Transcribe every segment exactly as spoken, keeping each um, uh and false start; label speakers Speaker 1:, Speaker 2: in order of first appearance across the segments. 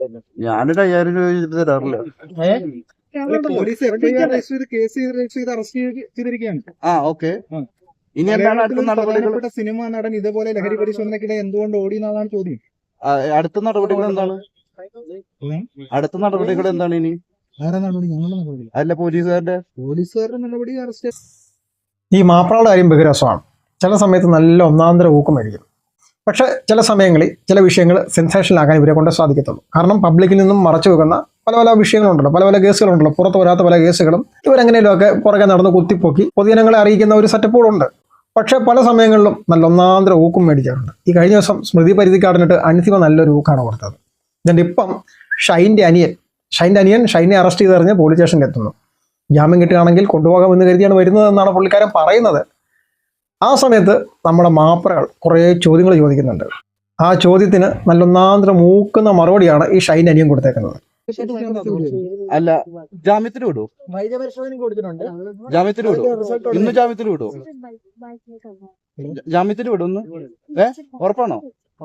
Speaker 1: ഞാനൊരു അയ്യായിരം രൂപ ചെയ്തിട്ട് തരാറില്ല. ആ ഓക്കെ, ഇനി എന്താണ് അടുത്ത നടപടികൾ?
Speaker 2: സിനിമ നടൻ ഇതേപോലെ ലഹരി പരിശോധനയ്ക്കിടെ എന്തുകൊണ്ട് ഓടി എന്നാണ് ചോദ്യം.
Speaker 1: ആ, അടുത്ത നടപടികൾ എന്താണ്? അടുത്ത നടപടികൾ എന്താണ് ഇനി?
Speaker 2: ആരാ നടപടി? ഞങ്ങളുടെ നടപടി
Speaker 1: അല്ല, പോലീസുകാരുടെ
Speaker 2: പോലീസുകാരുടെ നടപടി അറസ്റ്റ്.
Speaker 3: ഈ മാപ്രാളുടെ കാര്യം ബഹിരസമാണ്. ചില സമയത്ത് നല്ല ഒന്നാന്തര ഊക്കമായിരിക്കും. പക്ഷേ ചില സമയങ്ങളിൽ ചില വിഷയങ്ങൾ സെൻസേഷനിലാക്കാൻ ഇവരെ കൊണ്ട് സാധിക്കത്തുള്ളൂ. കാരണം പബ്ലിക്കിൽ നിന്നും മറച്ചു വെക്കുന്ന പല പല വിഷയങ്ങളുണ്ടല്ലോ, പല പല കേസുകളുണ്ടല്ലോ, പുറത്ത് വരാത്ത പല കേസുകളും ഇവരെങ്ങനെയൊക്കെ പുറകെ നടന്ന് കുത്തിപ്പൊക്കി പൊതുജനങ്ങളെ അറിയിക്കുന്ന ഒരു സെറ്റപ്പുകളുണ്ട്. പക്ഷേ പല സമയങ്ങളിലും നല്ല ഒന്നാന്തര ഊക്കും മേടിക്കാറുണ്ട്. ഈ കഴിഞ്ഞ ദിവസം സ്മൃതി പരിധിക്കാടിനിട്ട് അൻസിമ നല്ലൊരു ഊക്കാണ് കൊടുത്തത്. എന്നിട്ട് ഇപ്പം ഷൈൻ്റെ അനിയൻ ഷൈൻ്റെ അനിയൻ ഷൈനെ അറസ്റ്റ് ചെയ്തറിഞ്ഞ് പോലീസ് സ്റ്റേഷനിൽ എത്തുന്നു. ജാമ്യം കിട്ടുകയാണെങ്കിൽ കൊണ്ടുപോകാമെന്ന് കരുതിയാണ് വരുന്നതെന്നാണ് പുള്ളിക്കാരൻ പറയുന്നത്. ആ സമയത്ത് നമ്മുടെ മാപ്രകൾ കുറേ ചോദ്യങ്ങൾ ചോദിക്കുന്നുണ്ട്. ആ ചോദ്യത്തിന് നല്ലൊന്നാന്തര മൂക്കുന്ന മറുപടിയാണ് ഈ ഷൈൻ അനിയൻ കൊടുത്തേക്കുന്നത്.
Speaker 1: അല്ല, ജാമ്യത്തിന് വിടുവോ?
Speaker 2: വൈദ്യപരിശോധന കൊടുത്തിട്ടുണ്ട്.
Speaker 1: ജാമ്യത്തിന് വിടുവോ? ഇന്ന് ജാമ്യത്തിന് വിടുവോ? ജാമ്യത്തിന് വിടും ഇന്ന്? ഏ ഉറപ്പാണോ?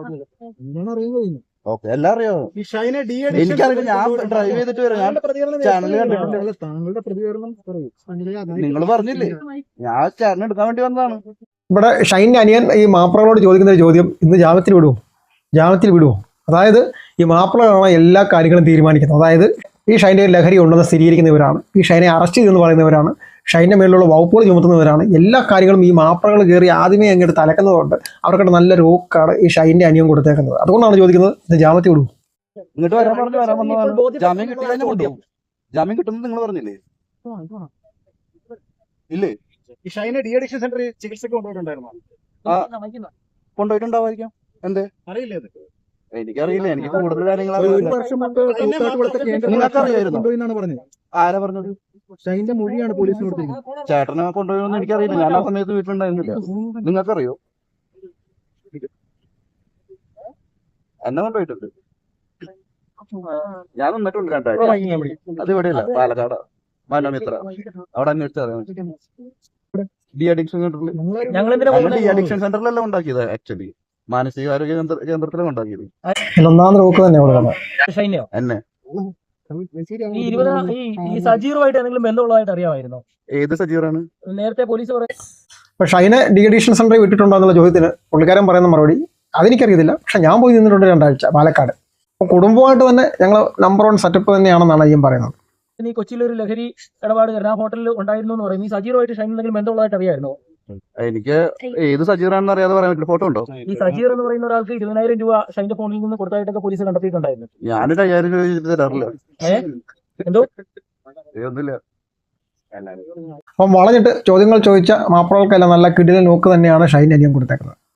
Speaker 1: ഓക്കെ, എല്ലാം അറിയാമോ? എനിക്കറിയില്ല, ഞാൻ ഡ്രൈവ് ചെയ്തിട്ട് വരാം. ഞാൻ ചാനൽ കണ്ടിട്ടുണ്ട്.
Speaker 2: താങ്കളുടെ പ്രതികരണം
Speaker 1: നിങ്ങൾ പറഞ്ഞില്ലേ, ഞാൻ ചാനൽ എടുക്കാൻ വേണ്ടി വന്നതാണ്.
Speaker 3: ഇവിടെ ഷൈൻ്റെ അനിയൻ ഈ മാപ്രകളോട് ചോദിക്കുന്ന ഒരു ചോദ്യം, ഇന്ന് ജാമ്യത്തിൽ വിടുവോ, ജാമ്യത്തിൽ വിടുവോ? അതായത് ഈ മാപ്രകളാണ് എല്ലാ കാര്യങ്ങളും തീരുമാനിക്കുന്നത്. അതായത് ഈ ഷൈൻ്റെ ലഹരി ഉണ്ടെന്ന് സ്ഥിരീകരിക്കുന്നവരാണ്, ഈ ഷൈനെ അറസ്റ്റ് ചെയ്തെന്ന് പറയുന്നവരാണ്, ഷൈൻ്റെ മേലുള്ള വകുപ്പുകൾ ചുമത്തുന്നവരാണ്. എല്ലാ കാര്യങ്ങളും ഈ മാപ്രകൾ കയറി ആദ്യമേ അങ്ങോട്ട് തലക്കുന്നതുകൊണ്ട് അവർക്കിട്ട് നല്ല രോക്കാണ് ഈ ഷൈൻ്റെ അനിയൻ കൊടുത്തേക്കുന്നത്. അതുകൊണ്ടാണ് ചോദിക്കുന്നത്, ഇത് ജാമ്യത്തിൽ വിടുവോ?
Speaker 1: ഇങ്ങോട്ട് വരാൻ പറഞ്ഞു വരാൻ വന്നതാണ്. ജാമ്യം കിട്ടി കഴിഞ്ഞാൽ കൊണ്ടുപോകും. ജാമ്യം കിട്ടുന്നത് നിങ്ങൾ പറഞ്ഞില്ലേ? ഇല്ലേ?
Speaker 2: ഈ ഷൈനെ ഡി അഡിക്ഷൻ സെന്ററിൽ ചികിത്സക്ക് കൊണ്ടുപോയിട്ടുണ്ടായിരുന്നു.
Speaker 1: കൊണ്ടുപോയിട്ടുണ്ടാവായിരിക്കാം. എന്തേ
Speaker 2: അറിയില്ലേ?
Speaker 1: എനിക്കറിയില്ല, എനിക്ക് കൂടുതൽ കാര്യങ്ങൾ
Speaker 2: പറഞ്ഞത്.
Speaker 1: ആരാ പറഞ്ഞത്?
Speaker 2: ഷൈന്റെ മൊഴിയാണ് പോലീസിന് കൊടുത്തിരിക്കുന്നത്.
Speaker 1: ചേട്ടനെ കൊണ്ടുപോയെന്ന് എനിക്കറിയില്ല, ഞാൻ ആ സമയത്ത് വീട്ടിലുണ്ടായിരുന്നില്ല. നിങ്ങൾക്കറിയോ? എന്നെ കൊണ്ടുപോയിട്ടുണ്ട്. ഞാൻ നിന്നിട്ടുണ്ട് രണ്ടാഴ്ച. അത് ഇവിടെയല്ല, പാലക്കാട് മനോമിത്ര. അവിടെ അന്വേഷിച്ചറിയാം. ഡി അഡിക്ഷൻ സെന്ററിൽ ഡി അഡിക്ഷൻ സെന്ററിലെല്ലാം ഉണ്ടാക്കിയത്. ആക്ച്വലി മാനസികാരോഗ്യ കേന്ദ്രത്തിലും ഉണ്ടാക്കിയത്.
Speaker 3: ഒന്നാം നോക്ക് തന്നെ കൊടുക്കുന്നത്
Speaker 1: എന്നെ.
Speaker 4: ഈ സജീറുമായിട്ട് എന്തെങ്കിലും ബന്ധമുള്ളതായിട്ട് അറിയാമായിരുന്നോ?
Speaker 1: ഏത് സജീറാണ്?
Speaker 4: നേരത്തെ പോലീസ് പറയും.
Speaker 3: പക്ഷെ ഷൈനെ ഡി അഡിക്ഷൻ സെന്ററിൽ വിട്ടിട്ടുണ്ടോ എന്നുള്ള ചോദ്യത്തിന് പുള്ളിക്കാരൻ പറയുന്ന മറുപടി അതെനിക്കറിയത്തില്ല. പക്ഷെ ഞാൻ പോയി നിന്നിട്ടുണ്ട് രണ്ടാഴ്ച പാലക്കാട്. അപ്പോൾ കുടുംബമായിട്ട് തന്നെ ഞങ്ങൾ നമ്പർ വൺ സെറ്റപ്പ് തന്നെയാണെന്നാണ് അയ്യം പറയുന്നത്.
Speaker 4: ഈ കൊച്ചിയിൽ ഒരു ലഹരി ഇടപാട് ആ ഹോട്ടലിൽ ഉണ്ടായിരുന്നു എന്ന് പറയും. ഈ സജീറുമായിട്ട് ഷൈൻ എന്തെങ്കിലും ബന്ധമുള്ളതായിട്ട് അറിയാമായിരുന്നോ?
Speaker 1: എനിക്ക് ഏത് സജീറാണെന്ന് അറിയാതെ പറയാൻ പറ്റില്ല. ഫോട്ടോ ഉണ്ടോ?
Speaker 4: ഈ സജീർ എന്ന് പറയുന്ന ഒരാൾക്ക് ഇരുപതിനായിരം രൂപ ഷൈന്റെ ഫോണിൽ നിന്ന് കൊടുത്തായിട്ടൊക്കെ പോലീസ് കണ്ടെത്തിയിട്ടുണ്ടായിരുന്നു.
Speaker 1: ഞാനൊരു അയ്യായിരം രൂപ ചെയ്തിട്ട് തരാറില്ല.
Speaker 4: ഏഹ് എന്തോ
Speaker 1: ഒന്നുമില്ല.
Speaker 3: അപ്പം വളഞ്ഞിട്ട് ചോദ്യങ്ങൾ ചോദിച്ച മാപ്രകൾക്കെല്ലാം നല്ല കിടിലൻ നോക്ക് തന്നെയാണ് ഷൈൻ അനിയൻ കൊടുത്തേക്കുന്നത്.